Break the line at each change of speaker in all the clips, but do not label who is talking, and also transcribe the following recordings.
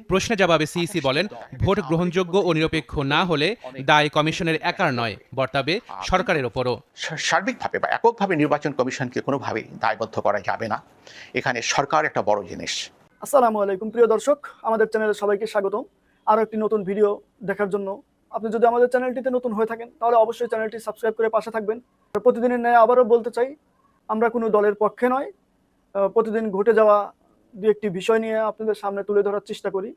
প্রশ্নে জবাবে সিইসি বলেন, ভোট গ্রহণযোগ্য ও নিরপেক্ষ না হলে দায় কমিশনের একার নয়, বর্তাবে সরকারের ওপরও।
সার্বিকভাবে বা এককভাবে নির্বাচন কমিশনকে কোনোভাবেই দায়বদ্ধ করা যাবে না। এখানে সরকার একটা বড় জিনিস।
আসসালামু আলাইকুম প্রিয় দর্শক, আমাদের চ্যানেলে সবাইকে স্বাগতম। আরও একটি নতুন ভিডিও দেখার জন্য আপনি যদি আমাদের চ্যানেলটিতে নতুন হয়ে থাকেন তাহলে অবশ্যই চ্যানেলটি সাবস্ক্রাইব করে পাশে থাকবেন। প্রতিদিনের ন্যায় আবারও বলতে চাই, আমরা কোনো দলের পক্ষে নয়, প্রতিদিন ঘটে যাওয়া দু একটি বিষয় নিয়ে আপনাদের সামনে তুলে ধরার চেষ্টা করি।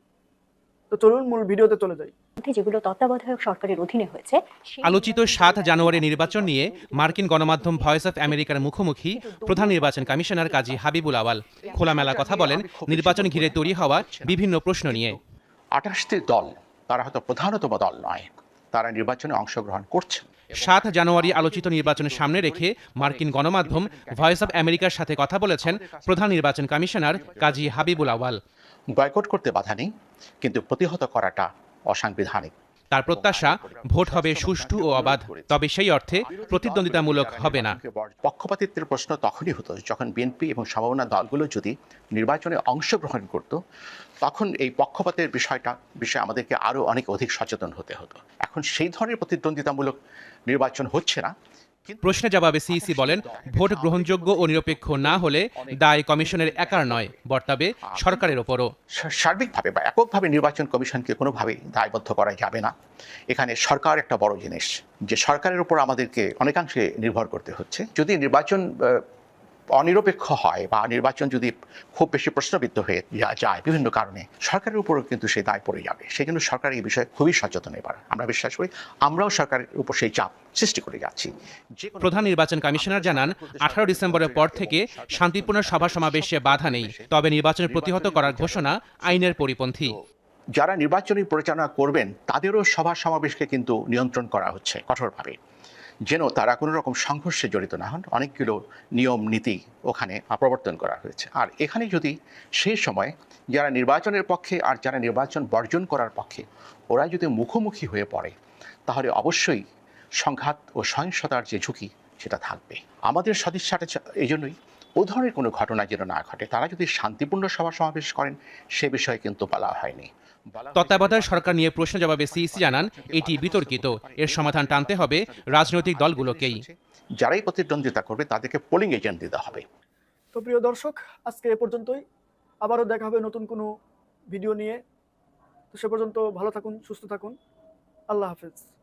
তো চলুন মূল ভিডিওতে চলে যাই।
যেগুলো তত্ত্বাবধায়ক সরকারের অধীনে হয়েছে।
আলোচিত ৭ জানুয়ারি নির্বাচন নিয়ে মার্কিন গণমাধ্যম ভয়েস অফ আমেরিকার মুখোমুখি প্রধান নির্বাচন কমিশনার কাজী হাবিবুল আওয়াল খোলামেলা কথা বলেন নির্বাচন ঘিরে তৈরি হওয়া বিভিন্ন প্রশ্ন নিয়ে।
২৮টি দল, তারা হয়তো প্রধানতম দল নয়, তারা নির্বাচনে অংশগ্রহণ করছে।
৭ জানুয়ারি আলোচিত নির্বাচনের সামনে রেখে মার্কিন গণমাধ্যম ভয়েস অফ আমেরিকার সাথে কথা বলেছেন প্রধান নির্বাচন কমিশনার কাজী হাবিবুল আওয়াল।
বয়কট করতে বাধা নেই, কিন্তু প্রতিহত করাটা অসাংবিধানিক।
তার প্রত্যাশা, ভোট হবে সুষ্ঠু ও অবাধ, তবে সেই অর্থে প্রতিদ্বন্দ্বিতামূলক হবে না।
পক্ষপাতিত্বের প্রশ্ন তখনই হতো যখন বিএনপি এবং সমমনা দলগুলো যদি নির্বাচনে অংশগ্রহণ করত, তখন এই পক্ষপাতের বিষয়ে আমাদেরকে আরো অনেক অধিক সচেতন হতে হতো। এখন সেই ধরনের প্রতিদ্বন্দ্বিতামূলক নির্বাচন হচ্ছে না।
প্রশ্নে জবাবে সিইসি বলেন, ভোট গ্রহণযোগ্য ও নিরপেক্ষ না হলে দায় কমিশনের একার নয়, বর্তাবে সরকারের ওপরও।
সার্বিকভাবে বা এককভাবে নির্বাচন কমিশনকে কোনোভাবেই দায়বদ্ধ করা যাবে না। এখানে সরকার একটা বড় জিনিস, যে সরকারের উপর আমাদেরকে অনেকাংশে নির্ভর করতে হচ্ছে। যদি নির্বাচন অনিরপেক্ষ হয় বা নির্বাচন যদি খুব বেশি প্রশ্নবিদ্ধ হয়ে যায় বিভিন্ন কারণে, সরকারের উপরও কিন্তু সেই দায় পড়ে যাবে। সেই জন্য সরকার এই বিষয়ে খুবই সচেতন। এবার আমরা বিশ্বাস করি আমরাও সরকারের উপর সেই চাপ সৃষ্টি করে যাচ্ছি।
প্রধান নির্বাচন কমিশনার জানান, ১৮ ডিসেম্বরের পর থেকে শান্তিপূর্ণ সভা সমাবেশে বাধা নেই, তবে নির্বাচন প্রতিহত করার ঘোষণা আইনের পরিপন্থী।
যারা নির্বাচনী পরিচালনা করবেন তাদেরও সভা সমাবেশকে কিন্তু নিয়ন্ত্রণ করা হচ্ছে কঠোরভাবে, যেন তারা কোনো রকম সংঘর্ষে জড়িত না হন। অনেকগুলো নিয়ম নীতি ওখানে প্রবর্তন করা হয়েছে। আর এখানে যদি সেই সময় যারা নির্বাচনের পক্ষে আর যারা নির্বাচন বর্জন করার পক্ষে, ওরা যদি মুখোমুখি হয়ে পড়ে, তাহলে অবশ্যই সংঘাত ও সহিংসতার যে ঝুঁকি সেটা থাকবে। আমাদের সদিচ্ছাটা এই জন্যই ও ধরনের কোনো ঘটনা যেন না ঘটে। তারা যদি শান্তিপূর্ণ সভা সমাবেশ করেন, সে বিষয়ে কিন্তু বলা হয়নি।
তত্ত্বাবধায়ক সরকার নিয়ে প্রশ্ন জবাবে সিইসি জানান, এটি বিতর্কিত, এর সমাধান টানতে হবে রাজনৈতিক দলগুলোকেই।
যারাই প্রতিদ্বন্দ্বিতা করবে তাদেরকে পোলিং এজেন্ট দিতে হবে।
তো প্রিয় দর্শক, আজকে এ পর্যন্তই। আবারও দেখা হবে নতুন কোনো ভিডিও নিয়ে। তো সে পর্যন্ত ভালো থাকুন, সুস্থ থাকুন। আল্লাহ হাফেজ।